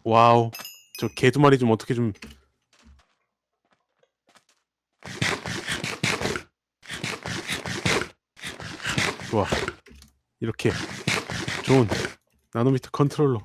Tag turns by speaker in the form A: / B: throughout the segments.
A: 와우. 저 개 두 마리 좀 어떻게 좀. 좋아. 이렇게 좋은 나노미터 컨트롤러.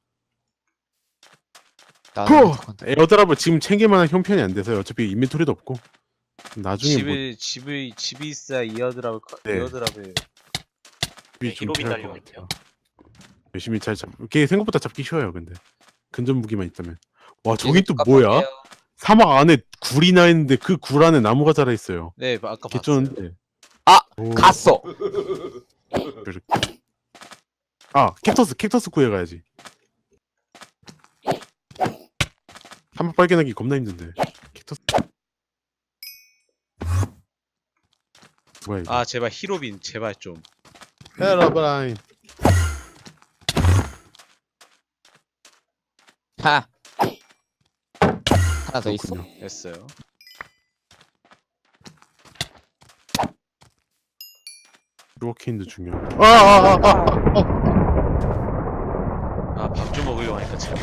B: 나노미터 컨트롤러.
A: 에어드랍을 지금 챙길만한 형편이 안 돼서요. 어차피 인벤토리도 없고. 나중에 뭐
C: 집이 있어야 이어드랍을
A: 네.
C: 이어드랍을
A: 집이 좀
D: 히로빈
A: 필요할 것
D: 달려갈게요.
A: 같아요. 열심히 잘 잡. 걔 생각보다 잡기 쉬워요. 근데 근접 무기만 있다면. 와 저기 또 뭐야? 사막 안에 굴이나 있는데 그 굴 안에 나무가 자라 있어요.
C: 네 아까 봤어요.
A: 개쩌는데.
B: 아!
A: 오,
B: 갔어!
A: 이렇게. 아 캡터스 구해가야지. 사막 발견하기 겁나 힘든데. 캡터스. 뭐야 이거?
C: 아 제발 히로빈 제발 좀.
A: 헤라브라인.
B: 하! 하나 더 있어?
A: 그렇군요.
C: 됐어요.
A: 루어케인도 중요해.
C: 아 밥 좀 먹으려고 하니까 제발.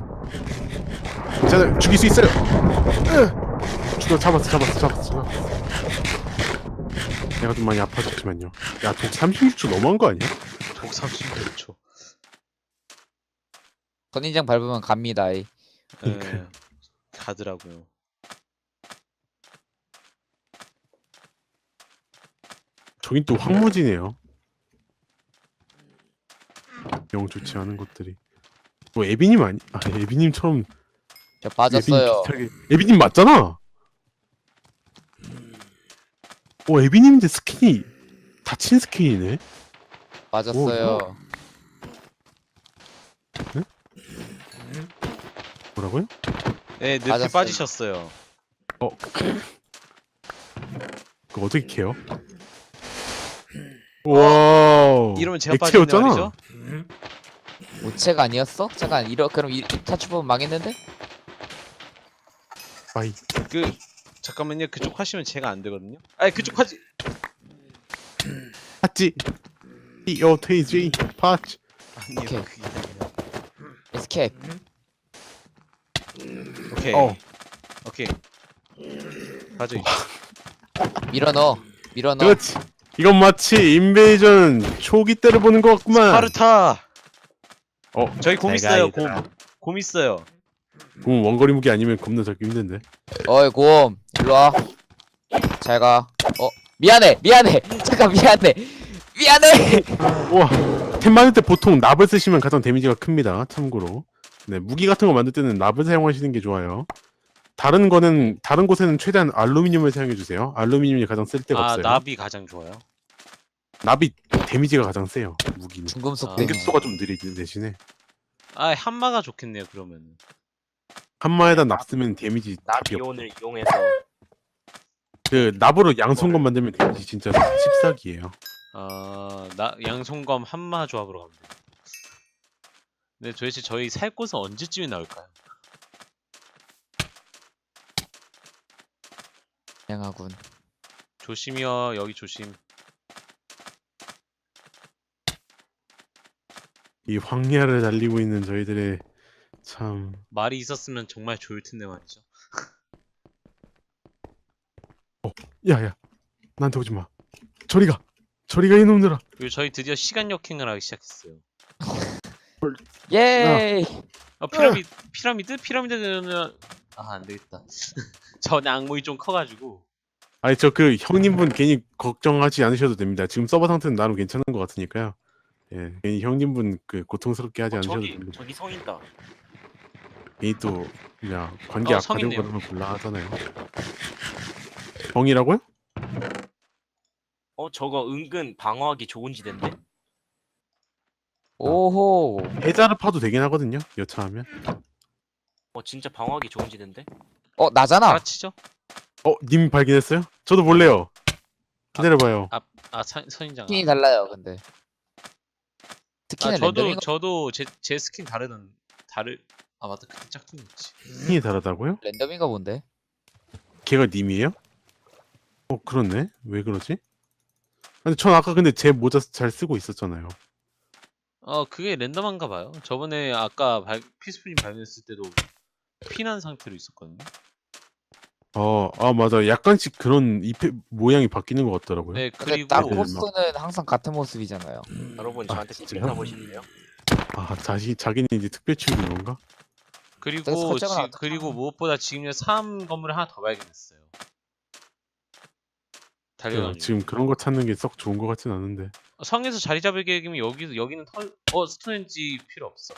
A: 자 죽일 수 있어요. 죽여 잡았어. 내가 좀 많이 아파졌지만요. 야 독 36초 너무한 거 아니야?
C: 독 36초.
B: 선인장 밟으면 갑니다. 이.
C: 예. 가더라고요.
A: 저긴 또 황무지네요. 영 좋지 않은 것들이. 뭐 에비님 아니? 아 에비님처럼.
B: 저 빠졌어요.
A: 에비님 맞잖아. 에비님인데 스킨이 다친 스킨이네.
B: 빠졌어요.
A: 뭐라고요?
C: 네 늪에
B: 맞았어요.
C: 빠지셨어요.
A: 그거 어떻게 캐요? 와.
C: 이러면 제가 빠지는
A: 액체였잖아.
C: 말이죠?
B: 우체가 아니었어? 잠깐 그럼 이 타추법은 망했는데?
A: 아이.
C: 그 잠깐만요. 그쪽 하시면 제가 안 되거든요. 아니 그쪽 하지.
A: 팥지. EOTG 팥.
C: 아니요.
B: 오케이.
C: 그게 아니라.
B: 에스케이프.
C: 오케이. 오케이. 가져.
B: 밀어넣어.
A: 그렇지. 이건 마치 인베이전 초기 때를 보는 것 같구만.
C: 스파르타. 저희 곰
A: 내가
C: 있어요.
A: 얘들아.
C: 곰 있어요.
A: 원거리 무기 아니면 겁나 잡기 힘든데.
B: 어이 곰 일로와. 잘가. 미안해 잠깐 미안해.
A: 우와. 템 만들 때 보통 납을 쓰시면 가장 데미지가 큽니다. 참고로. 네, 무기 같은 거 만들 때는 납을 사용하시는 게 좋아요. 다른 곳에는 최대한 알루미늄을 사용해 주세요. 알루미늄이 가장 쓸 데가 없어요.
C: 납이 가장 좋아요.
A: 납이 데미지가 가장 세요. 무기는.
B: 중금속
C: 아.
B: 데미지.
A: 공격수가 좀 느리지 대신에.
C: 한마가 좋겠네요. 그러면.
A: 한마에다 납 쓰면 데미지 답이 없.
D: 나비온을 이용해서
A: 그 납으로 양손건 만들면 데미지 진짜 씹사기예요.
C: 양손검 한마 조합으로 갑니다. 근데 도대체 저희 살 곳은 언제쯤에 나올까요?
B: 다양하군.
C: 조심이요. 여기 조심.
A: 이 황야를 달리고 있는 저희들의 참.
C: 말이 있었으면 정말 좋을 텐데 말이죠.
A: 야야, 나한테 오지 마. 저리가 이놈들아.
C: 그리고 저희 드디어 시간 역행을 하기 시작했어요.
B: 예이.
C: 피라미드는 안 되겠다. 전 악몽이 좀 커가지고.
A: 아니 저 그 형님분 괜히 걱정하지 않으셔도 됩니다. 지금 서버 상태는 나름 괜찮은 것 같으니까요. 예, 괜히 형님분 그 고통스럽게 하지 않으셔도 됩니다.
D: 저기 성 있다.
A: 괜히 또 그냥 관계
C: 성
A: 악화되고
C: 있네요.
A: 그러면 곤란하잖아요. 정이라고요?
D: 저거 은근 방어하기 좋은 지대인데?
B: 오호.
A: 해자를 파도 되긴 하거든요. 여차하면.
D: 진짜 방어하기 좋은 지대인데?
B: 나잖아.
C: 알아치죠?
A: 님 발견했어요? 저도 볼래요. 기다려봐요.
C: 선인장.
B: 스킨이 달라요 근데. 스킨은 랜덤인 거.
C: 저도 제 스킨 맞다. 그때 짝퉁이었지.
A: 힘이 다르다고요?
B: 랜덤인가 본데.
A: 걔가 님이에요? 그렇네. 왜 그러지? 근데 전 아까 근데 제 모자 잘 쓰고 있었잖아요.
C: 그게 랜덤한가 봐요. 저번에 아까 피스프림 발견했을 때도 피난 상태로 있었거든요.
A: 맞아. 약간씩 그런 잎의 모양이 바뀌는 것 같더라고요.
C: 네,
B: 근데
C: 그리고
B: 딱
A: 막-
B: 코스는 항상 같은 모습이잖아요.
D: 여러분
A: 아,
D: 저한테
A: 진짜요?
D: 팁 가보실래요?
A: 자기는 이제 특별 취급인 건가?
B: 그래서 설정을 어떻게
C: 그리고
B: 하나?
C: 무엇보다 지금 3 건물을 하나 더 발견했어요. 달려가지고.
A: 지금 그런 거 찾는 게 썩 좋은 것 같진 않은데.
C: 성에서 자리 잡을 계획이면 여기는 스톤헨지 필요 없어.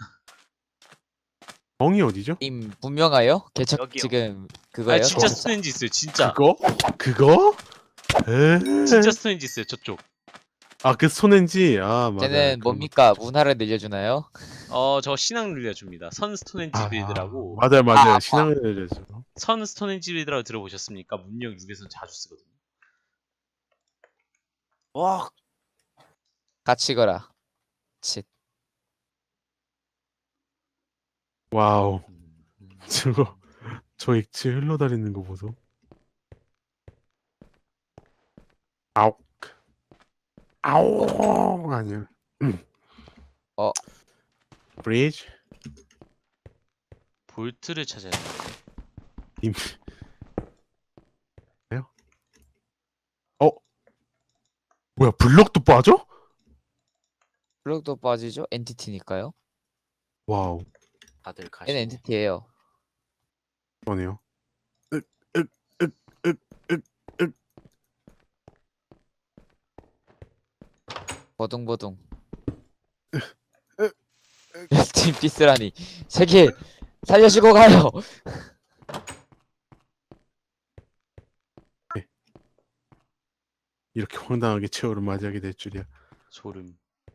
A: 멍이 어디죠?
B: 님 분명하요? 개척
D: 여기요.
B: 지금 그거예요?
C: 진짜
B: 개척자?
C: 스톤헨지 있어요. 진짜.
A: 그거? 에?
C: 진짜 스톤헨지 있어요. 저쪽.
A: 그 손엔지. 맞아.
B: 쟤는 뭡니까? 문화를 늘려주나요?
C: 저 신앙 늘려줍니다. 선 스톤헨지 빌드라고.
A: 맞아요.
B: 아,
A: 신앙을 내려줘.
C: 선 스톤헨지 빌드라고 들어보셨습니까? 문명 6에서는 자주 쓰거든요.
D: 와
B: 같이 거라. 칫.
A: 와우. 저 액체 흘러다니는 거 보소. 아욱. 아욱. 아니야.
B: 어.
A: 브리지?
C: 볼트를 찾아야 돼요.
A: 임. 뭐야, 블럭도 빠져?
B: 블록도 빠지죠? 엔티티니까요.
A: 와우.
D: 다들 가시고
B: 얘는 엔티티예요.
A: 그러네요.
B: 버둥버둥. 팀 피스라니. 세계 살려주고 가요.
A: 이렇게 황당하게 최후를 맞이하게 될 줄이야.
C: 소름.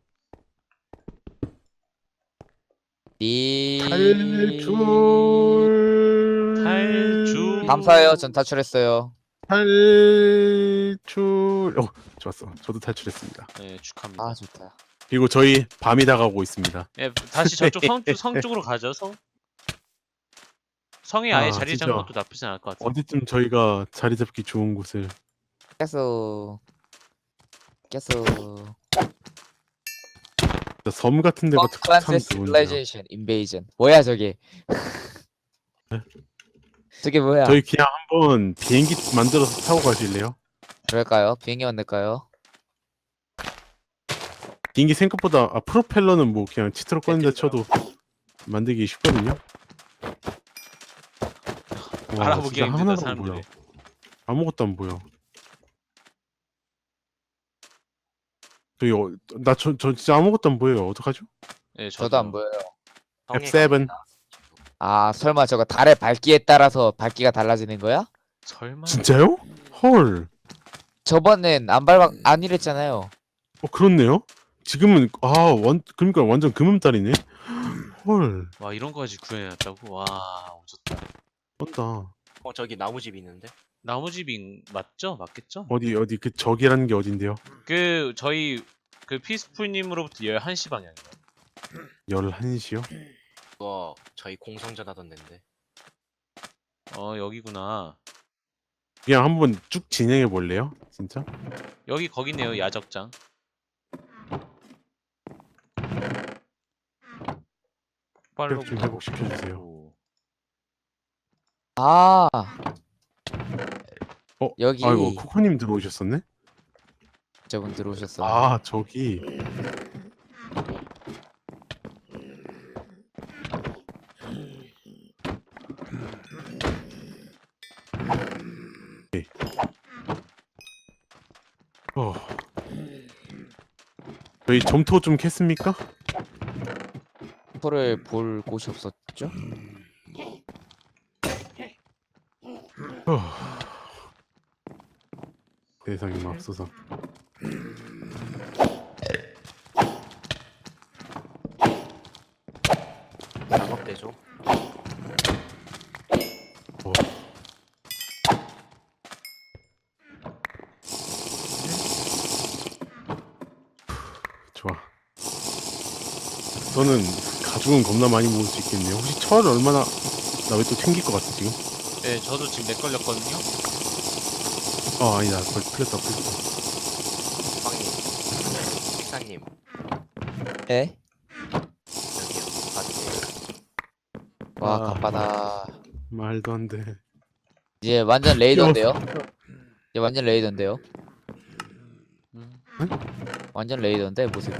C: 탈출.
B: 감사해요. 전 탈출했어요.
A: 탈출. 좋았어. 저도 탈출했습니다.
C: 네, 축하합니다.
B: 아 좋다.
A: 그리고 저희 밤이 다가오고 있습니다.
C: 예, 다시 저쪽 성 쪽으로 가죠. 성에 아예 자리
A: 진짜.
C: 잡는 것도 나쁘진 않을 것 같아요.
A: 어디쯤 저희가 자리 잡기 좋은 곳을.
B: 깨소.
A: 섬 같은 데가 참
B: Advanced
A: 좋은데요.
B: Civilization Invasion. 뭐야 저게? 저게 뭐야?
A: 저희 그냥 한번 비행기 만들어서 타고 가실래요?
B: 그럴까요? 비행기 만들까요?
A: 비행기 생각보다 프로펠러는 뭐 그냥 치트로 꺼낸다 쳐도 만들기 쉽거든요. 와,
C: 알아보기가
A: 진짜
C: 힘들다
A: 하나도 안
C: 사람들이.
A: 보여. 아무것도 안 보여. 저 진짜 아무것도 안 보여요. 어떡하죠?
C: 예,
B: 저도 안 보여요.
D: 성에
A: F7.
D: 갑니다.
B: 아 설마 저거 달의 밝기에 따라서 밝기가 달라지는 거야?
C: 설마.
A: 진짜요? 헐.
B: 저번엔 안 이랬잖아요.
A: 그렇네요. 지금은 그러니까 완전 금음달이네. 헐.
C: 와, 이런 거까지 구해놨다고? 와, 오졌다.
A: 쩐다.
D: 저기 나무집 있는데
C: 나무집인 맞죠? 맞겠죠?
A: 어디 그 적이라는 게 어딘데요?
C: 저희 피스풀님으로부터 11시 방향이요.
A: 11시요?
D: 그거 저희 공성전 하던 데인데
C: 여기구나.
A: 그냥 한번 쭉 진행해 볼래요? 진짜?
C: 여기 거기네요, 야적장. 폭발로
A: 좀 회복시켜 주세요.
B: 아 여기
A: 아이고, 코코님 들어오셨었네?
B: 저분 들어오셨어.
A: 저기. 네. 저희 점토 좀 캤습니까?
B: 포를 볼 곳이 없었죠?
A: 세상에 맙소사.
D: 작업대죠.
A: 좋아. 저는 가죽은 겁나 많이 모을 수 있겠네요. 혹시 철 얼마나 나 왜 또 챙길 것 같아 지금?
C: 네, 저도 지금 렉 걸렸거든요.
A: 아니다. 풀렸다.
D: 빵님, 식사님
B: 에?
D: 여기요. 바지.
B: 와
A: 아.
B: 갑바다.
A: 말도 안 돼.
B: 이제 완전 레이더인데요? 이제 완전 레이더인데요?
C: 음.
B: 완전 레이더인데 모습이.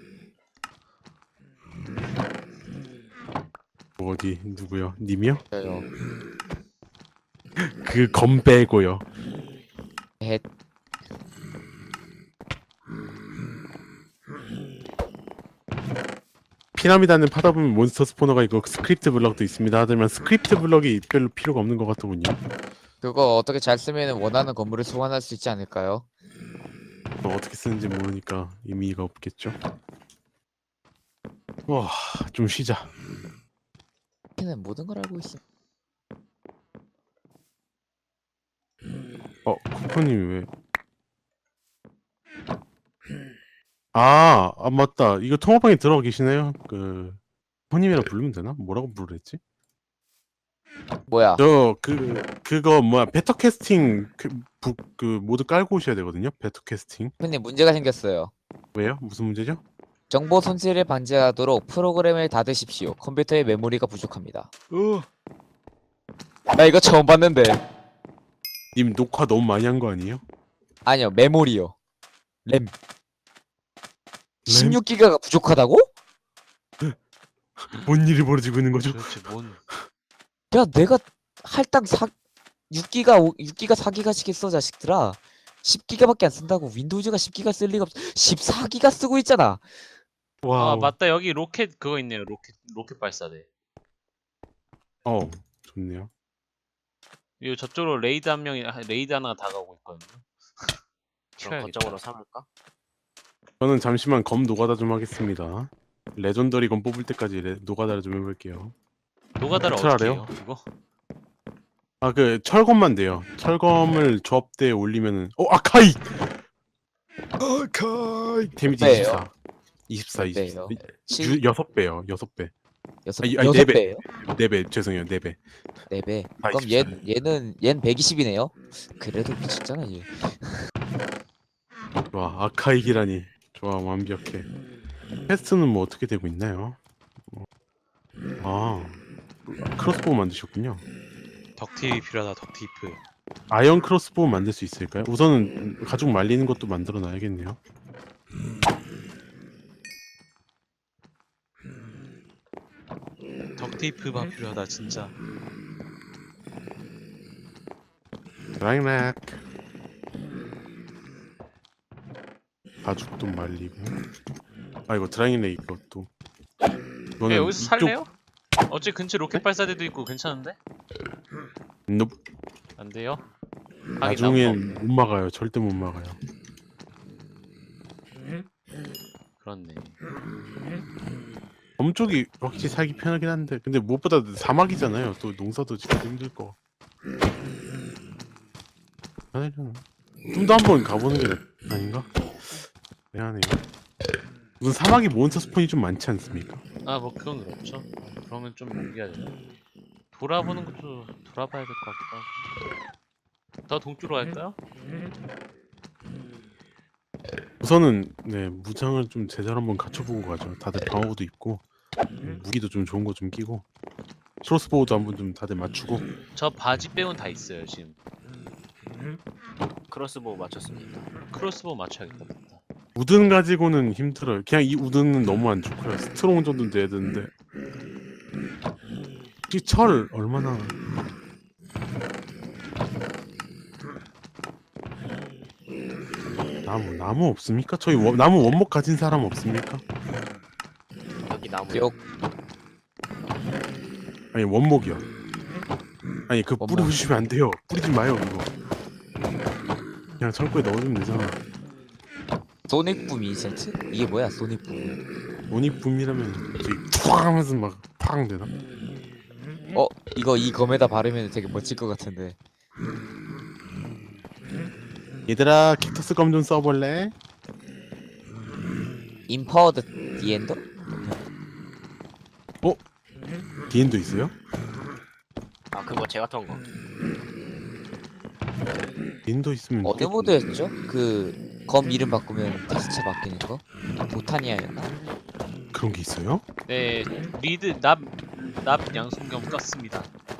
A: 어디 누구요? 님이요?
B: 저요.
A: 그 검 빼고요.
B: 헷.
A: 피라미드는 파다 보면 몬스터 스포너가 있고 스크립트 블럭도 있습니다. 하지만 스크립트 블럭이 별로 필요가 없는 것 같더군요.
B: 그거 어떻게 잘 쓰면 원하는 건물을 소환할 수 있지 않을까요?
A: 어떻게 쓰는지 모르니까 의미가 없겠죠. 와, 좀 쉬자.
B: 걔는 모든 걸 알고 있어.
A: 코코님 왜? 아, 맞다. 이거 통화방에 들어가 계시네요. 코코님이라 부르면 되나? 뭐라고 부르랬지?
B: 뭐야?
A: 그거 뭐야? 베터 캐스팅 모드 깔고 오셔야 되거든요. 베터 캐스팅.
B: 근데 문제가 생겼어요.
A: 왜요? 무슨 문제죠?
B: 정보 손실을 방지하도록 프로그램을 닫으십시오. 컴퓨터의 메모리가 부족합니다. 나 이거 처음 봤는데.
A: 님 녹화 너무 많이 한 거 아니에요?
B: 아니요, 메모리요. 램. 16기가가 부족하다고?
A: 뭔 일이 벌어지고 있는 거죠?
C: 도대체 뭔
B: 야, 내가 할당 6기가 4기가씩 했어, 자식들아. 10기가밖에 안 쓴다고. 윈도우즈가 10기가 쓸 리가 없어. 14기가 쓰고 있잖아.
A: 와,
C: 아 맞다 여기 로켓 그거 있네요. 로켓 발사대.
A: 좋네요.
C: 이거 저쪽으로 레이드 하나가 다가오고 있거든요.
D: 그럼
C: 튀어야겠다.
D: 거점으로 삼을까?
A: 저는 잠시만 검 노가다 좀 하겠습니다. 레전더리 검 뽑을 때까지 노가다를 좀 해볼게요.
C: 노가다를
A: 어떻게
C: 어떻게
A: 알아요?
C: 해요? 이거?
A: 철검만 돼요. 철검을 조합대에 올리면은 아카이! 데미지
B: 배예요?
A: 24. 24,
B: 배예요?
A: 24. 6배요. 6배. 아니,
B: 여섯
A: 4배.
B: 배예요?
A: 4배. 죄송해요. 4배.
B: 4배.
A: 아,
B: 그럼
A: 24.
B: 얘는 120이네요. 그래도 미쳤잖아, 얘.
A: 좋아. 아카이기라니. 좋아. 완벽해. 퀘스트는 뭐 어떻게 되고 있나요? 크로스보우 만드셨군요.
C: 덕티입이 필요하다. 덕티프.
A: 아이언 크로스보우 만들 수 있을까요? 우선은 가죽 말리는 것도 만들어 놔야겠네요.
C: 덕테이프가 필요하다 진짜.
A: 드라이맥 가죽도 말리고 이거 드라이맥 이것도
C: 야, 여기서 살래요? 어째 근처 로켓 발사대도 있고 괜찮은데?
A: 넵.
C: 안 돼요?
A: 나중엔 못 막아요. 절대 못 막아요.
C: 그렇네.
A: 엄쪽이 확실히 살기 편하긴 한데 근데 무엇보다 사막이잖아요. 또 농사도 짓기 힘들 거. 편하려나? 좀 더 한번 가보는 게 아닌가? 미안해요. 무슨 사막이 몬스터 스폰이 좀 많지 않습니까?
C: 아 뭐 그건 그렇죠. 그러면 좀 옮겨야 되나? 돌아보는 것도 돌아봐야 될 것 같기도 하고. 더 동쪽으로 갈까요?
A: 우선은 무장을 좀 제대로 한번 갖춰보고 가죠. 다들 방어구도 입고 무기도 좀 좋은 거 좀 끼고 크로스보우도 한번 좀 다들 맞추고.
C: 저 바지 빼곤 다 있어요 지금.
D: 크로스보우 맞췄습니다.
C: 크로스보우 맞춰야겠다. 맞다.
A: 우든 가지고는 힘들어요. 그냥 이 우든은 너무 안 좋고요. 스트롱 정도는 돼야 되는데 이 철 얼마나 나무 없습니까? 저희 나무 원목 가진 사람 없습니까?
D: 여기 나무.
B: 욕.
A: 아니 원목이요. 아니 그
B: 원목.
A: 뿌리주시면 안 돼요. 뿌리지 마요 그거. 그냥 창고에 넣어주면 되잖아.
B: 소닉붐 이센트? 이게 뭐야, 소닉붐.
A: 원익붐이라면 저기 팡 하면서 막 팡 되나?
B: 이거 이 검에다 바르면 되게 멋질 것 같은데.
A: 얘들아 킥터스 검 좀 써볼래?
B: 임파워드 디엔더?
A: 디엔도 있어요?
D: 아 그거 제가 턴 거.
A: 디엔도 있으면
B: 어느 모드였죠? 그 검 이름 바꾸면 텍스처 바뀌는 거? 보타니아였나?
A: 그런 게 있어요?
C: 네, 리드 납 양손경 떴습니다.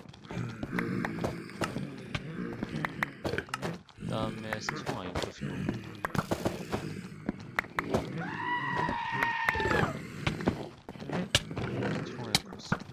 C: 그다음에 스트롱 아이언 떴고. 스트롱 아이언 떴고.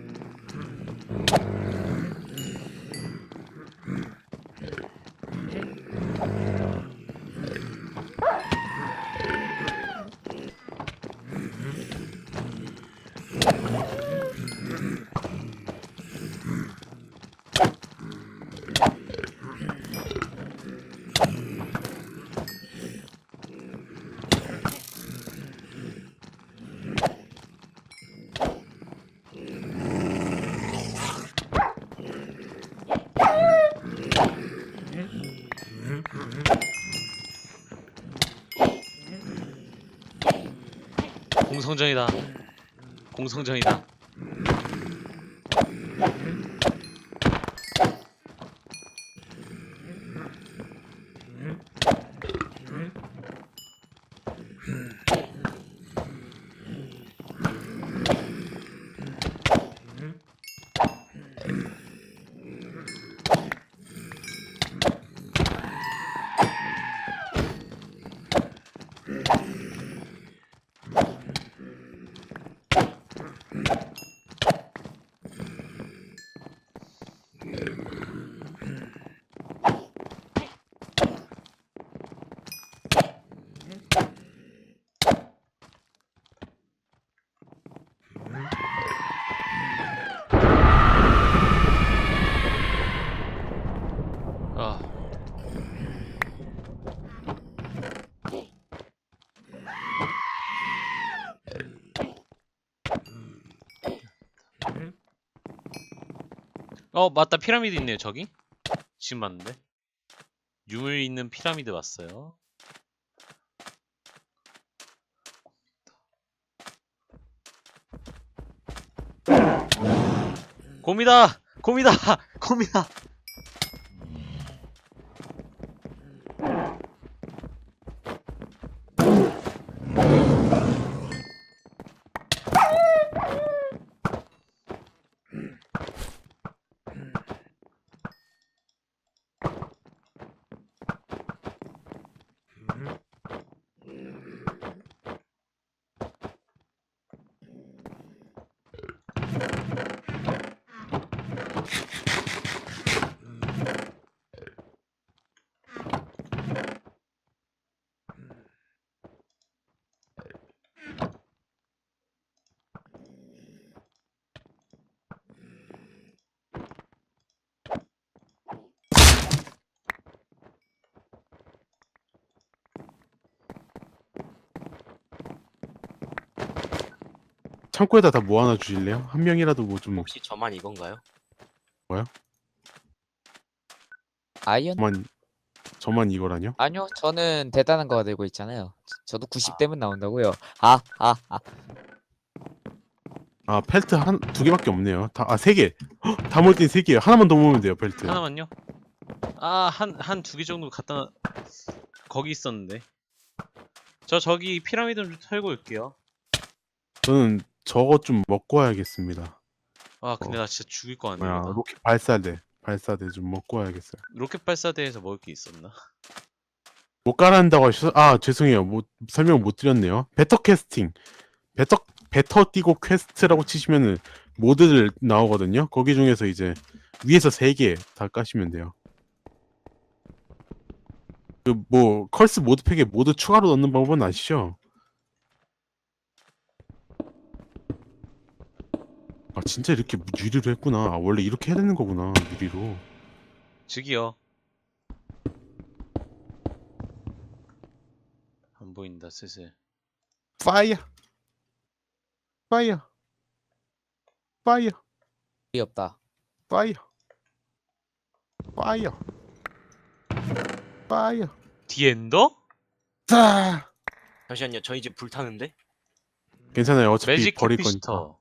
C: 공성전이다. 공성전이다. 아. 맞다. 피라미드 있네요, 저기. 지금 봤는데. 유물 있는 피라미드 봤어요. 곰이다! 곰이다! 곰이다!
A: 창고에다 다 모아놔 주실래요? 한 명이라도 뭐 좀
D: 혹시 저만 이건가요?
B: 아이언?
A: 저만 이거라뇨?
B: 아니요, 저는 대단한 거 들고 있잖아요. 저도 90대면 나온다고요.
A: 아 펠트 두 개밖에 없네요. 세 개. 다 모을 땐 세 개요. 하나만 더 모으면 돼요 펠트.
C: 하나만요? 한 두 개 정도 갖다 거기 있었는데. 저기 피라미드 좀 털고 올게요.
A: 저는 저거 좀 먹고 와야겠습니다.
C: 근데 나 진짜 죽일 거
A: 뭐야
C: 아니야.
A: 로켓 발사대 좀 먹고 와야겠어요.
C: 로켓 발사대에서 먹을 게 있었나?
A: 못 깔아낸다고 하셔서 죄송해요. 설명 못 드렸네요. 베터 띄고 퀘스트라고 치시면은 모드들 나오거든요. 거기 중에서 이제 위에서 3개 다 까시면 돼요. 그 뭐 컬스 모드팩에 모드 추가로 넣는 방법은 아시죠? 진짜 이렇게 유리로 했구나. 원래 이렇게 해야 되는 거구나. 유리로.
C: 저기요. 안 보인다 슬슬.
A: 파이어. 파이어. 파이어.
B: 이 없다.
A: 파이어. 파이어. 파이어.
C: 디엔더?
A: 자.
D: 잠시만요. 저희 집 불타는데?
A: 괜찮아요. 어차피
C: 매직
A: 버릴 거니까.
C: 캐피시터.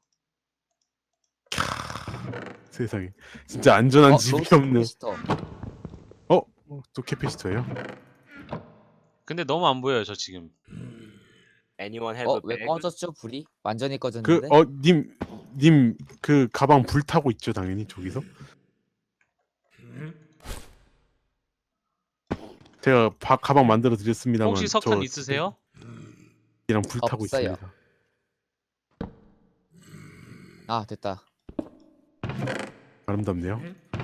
A: 세상에. 진짜 안전한 집이
B: 로스트
A: 없네.
B: 캐피시터.
A: 또 캐피시터예요?
C: 근데 너무 안 보여요 저 지금.
D: Anyone have a
B: 왜
D: bag?
B: 꺼졌죠 불이? 완전히
A: 그
B: 꺼졌는데?
A: 님 그 가방 불 타고 있죠 당연히 저기서. 제가 가방 만들어 드렸습니다만
C: 혹시 석탄 있으세요?
A: 이랑 불 타고
B: 없어요.
A: 있습니다.
B: 아 됐다.
A: 아름답네요.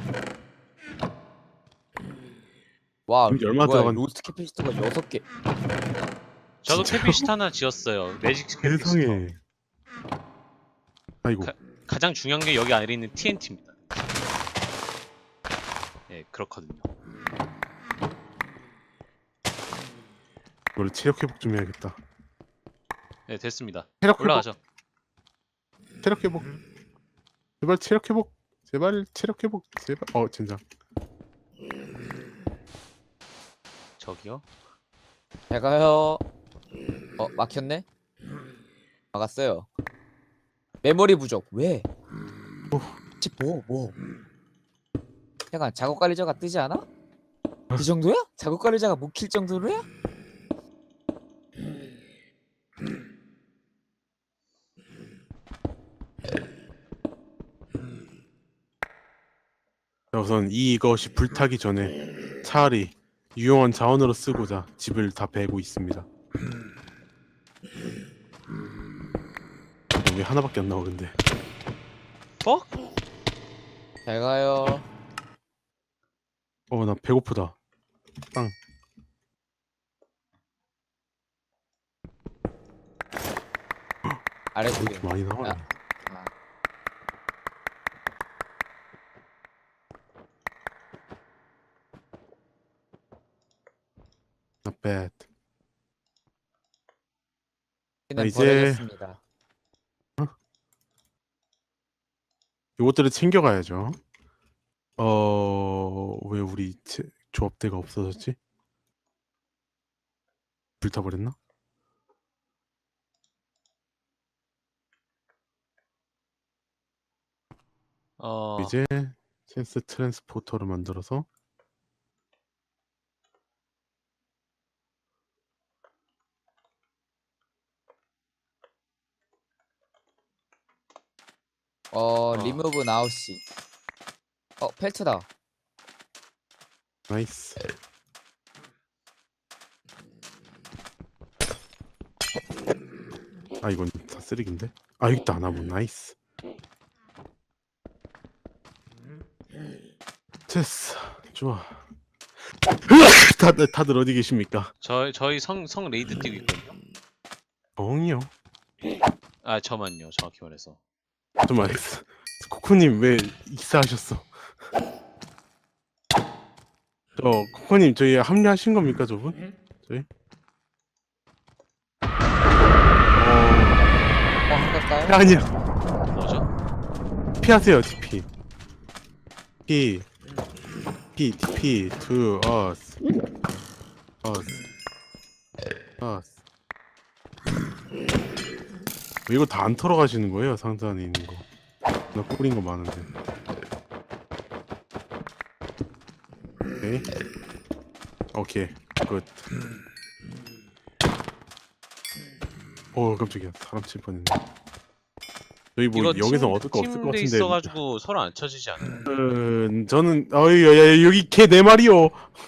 B: 와
A: 이게 얼마
B: 뭐야
A: 들어간-
B: 로스트 캐피시터가 6개.
C: 저도
A: 진짜요?
C: 캐피시트 하나 지었어요. 매직 캐피시터.
A: 세상에. 아이고.
C: 가장 중요한 게 여기 안에 있는 TNT입니다. 예, 그렇거든요.
A: 이걸로 체력 회복 좀 해야겠다.
C: 네, 됐습니다.
A: 체력 회복.
C: 올라가죠.
A: 체력 회복. 제발 체력 회복. 제발 체력 회복. 제발. 진짜.
C: 저기요.
B: 제가요. 막혔네. 막았어요. 메모리 부족. 왜? 뭐? 잠깐 작업 관리자가 뜨지 않아? 그 정도야? 작업 관리자가 못 킬 정도로야?
A: 자, 우선 이것이 불타기 전에 차라리 유용한 자원으로 쓰고자 집을 다 베고 있습니다. 왜 하나밖에 안 나와 근데.
C: 어?
B: 잘 가요.
A: 나 배고프다. 빵.
B: 아래
A: 왜 이렇게
B: 쪽에.
A: 많이 나와?
B: 야. 아.
A: Not bad.
B: 이제
A: 이제-
B: 버려졌습니다.
A: 요것들을 챙겨가야죠. 왜 우리 조합대가 없어졌지? 불타버렸나? 이제 센스 트랜스포터를 만들어서
B: 리무브 나우시. 펠트다.
A: 나이스. 이건 다 쓰레기인데? 여기 있다. 나무 나이스. 됐어. 좋아. 다들 어디 계십니까?
C: 저희 성 레이드 뛰고 있거든요.
A: 엉이요.
C: 저만요. 정확히 말해서.
A: 좀 알겠어. 코코님 왜 익사하셨어? 코코님 저희 합류하신 겁니까 저분? 저희?
B: 한가까요?
A: 아니야.
C: 뭐죠?
A: 피하세요 TP. TP to us. 왜 이거 다 안 털어 가시는 거예요? 상자 안에 있는 거. 나 뿌린 거 많은데. 오케이. 굿. 깜짝이야. 사람 칠 뻔했네. 저희 뭐
C: 이거
A: 여기서 얻을 거 없을 것
C: 팀돼
A: 같은데.
C: 있어가지고 서로 안 쳐지지 않아요?
A: 저는 야, 여기 개 네 마리요.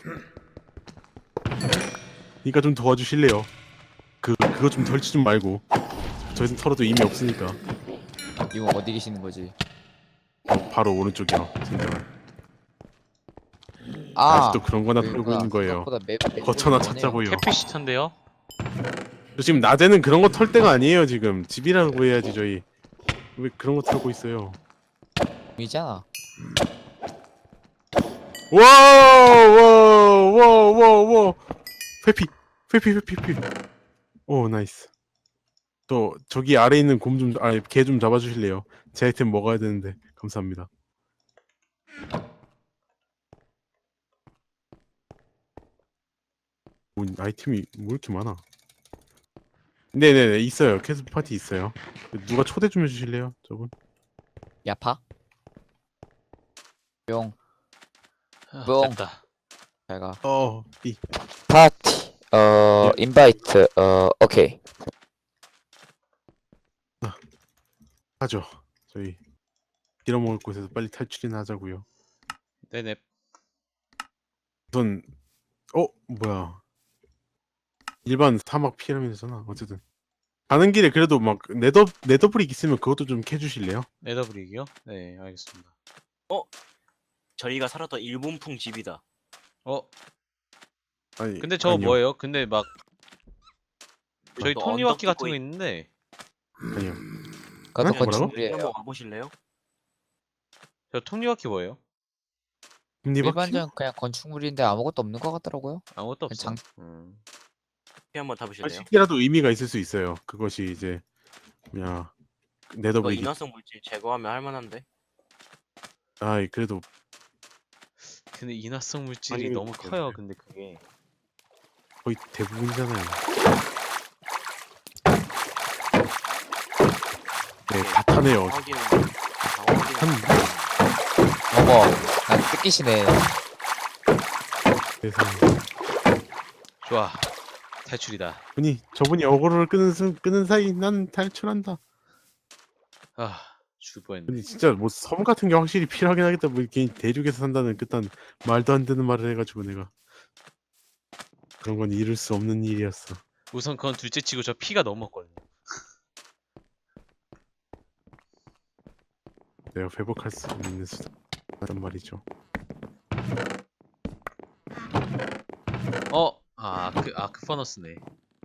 A: 그러니까 좀 도와주실래요? 그거 좀 덜치 좀 말고. 저희는 털어도 의미 없으니까.
B: 이거 어디 계시는 거지?
A: 바로 오른쪽이요. 진짜. 아직도 그런 거나 털고 있는 거예요. 거쳐나 찾자고요.
C: 캐피시터인데요?
A: 저 지금 낮에는 그런 거 털 때가 아니에요. 지금 집이라고 해야지 저희. 왜 그런 거 털고 있어요?
B: 이잖아.
A: 와와와와와 회피. 오 나이스. 또 저기 아래 있는 개 좀 잡아주실래요? 제 아이템 먹어야 되는데. 감사합니다. 아이템이 뭐 이렇게 많아? 네네네 있어요. 캐스 파티 있어요. 누가 초대 좀 해주실래요, 저분?
B: 야파. 뿅. 뿅.
C: 됐다.
B: 잘가.
A: B.
B: 파티. 인바이트. 오케이.
A: 하죠. 저희 빌어먹을 곳에서 빨리 탈출이나 하자고요.
C: 네네.
A: 우선 뭐야? 일반 사막 피라미드잖아. 어쨌든 가는 길에 그래도 막 네더브릭 있으면 그것도 좀 캐주실래요?
C: 네더브릭이요? 네, 알겠습니다.
D: 저희가 살았던 일본풍 집이다.
C: 어,
A: 아니
C: 근데 저거
A: 아니요.
C: 뭐예요? 근데 막 저희
D: 또
C: 톱니바퀴
D: 언덕
C: 같은 거
D: 뚫고
C: 있는데
A: 아니요.
B: 그것도
A: 응? 뭐라고?
D: 여기
B: 건축물이에요.
D: 한번 와보실래요?
C: 저 톱니바퀴 뭐예요?
A: 톱니바퀴?
B: 일반적인 그냥 건축물인데 아무것도 없는 것 같더라고요.
C: 아무것도 없어.
B: 장-
D: 피 한번 타보실래요?
A: 식이라도 의미가 있을 수 있어요. 그것이 이제 뭐냐
D: 이거
A: 네더브릭이.
D: 인화성 물질 제거하면 할만한데.
A: 아이 그래도
C: 근데 인화성 물질이
A: 아니,
C: 너무 커요.
A: 그런데.
C: 근데 그게
A: 거의 대부분이잖아요. 네, 다 타네요.
D: 확인은 확인은
B: 어머, 난 뜯기시네.
A: 그래서
C: 좋아. 탈출이다.
A: 저분이 어그로를 끄는 사이 난 탈출한다.
C: 아, 죽을 뻔했네.
A: 근데 진짜 뭐 섬 같은 게 확실히 필요하긴 하겠다. 뭐 괜히 대륙에서 산다는 그딴 말도 안 되는 말을 해가지고 내가 그런 건 이룰 수 없는 일이었어.
C: 우선 그건 둘째치고 저 피가 너무 없거든요.
A: 내가 회복할 수 있는 수단 말이죠.
C: 아크 퍼너스네.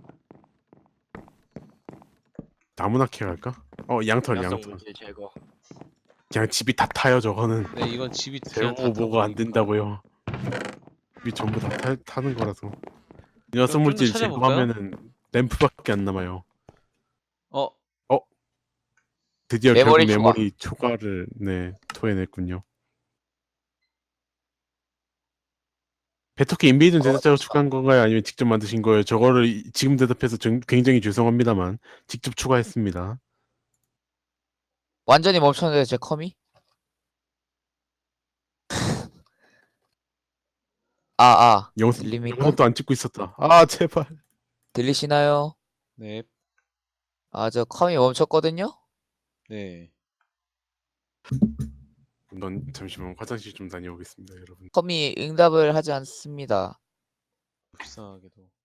A: 나무나 캐 갈까? 양털.
D: 인화성 물질 제거.
A: 그냥 집이 다 타요 저거는.
C: 네, 이건 집이 그냥 다
A: 재고 뭐가 안
C: 타버리니까.
A: 된다고요. 집이 전부 다 타는 거라서.
C: 그럼
A: 인화성
C: 좀더
A: 물질
C: 찾아볼까요?
A: 제거하면은 램프밖에 안 남아요.
C: 어,
A: 드디어
B: 메모리
A: 결국
B: 초과.
A: 메모리 초과를 토해냈군요. 베토키 인베이든 제작자가 추가한 건가요? 아니면 직접 만드신 거예요? 저거를 지금 대답해서 굉장히 죄송합니다만 직접 추가했습니다.
B: 완전히 멈췄는데 제 컴이? 들립니까?
A: 영상도 안 찍고 있었다. 아 제발.
B: 들리시나요?
C: 네,
B: 저 컴이 멈췄거든요?
C: 네.
A: 넌 잠시만 화장실 좀 다녀오겠습니다, 여러분.
B: 컴이 응답을 하지 않습니다.
C: 불쌍하게도.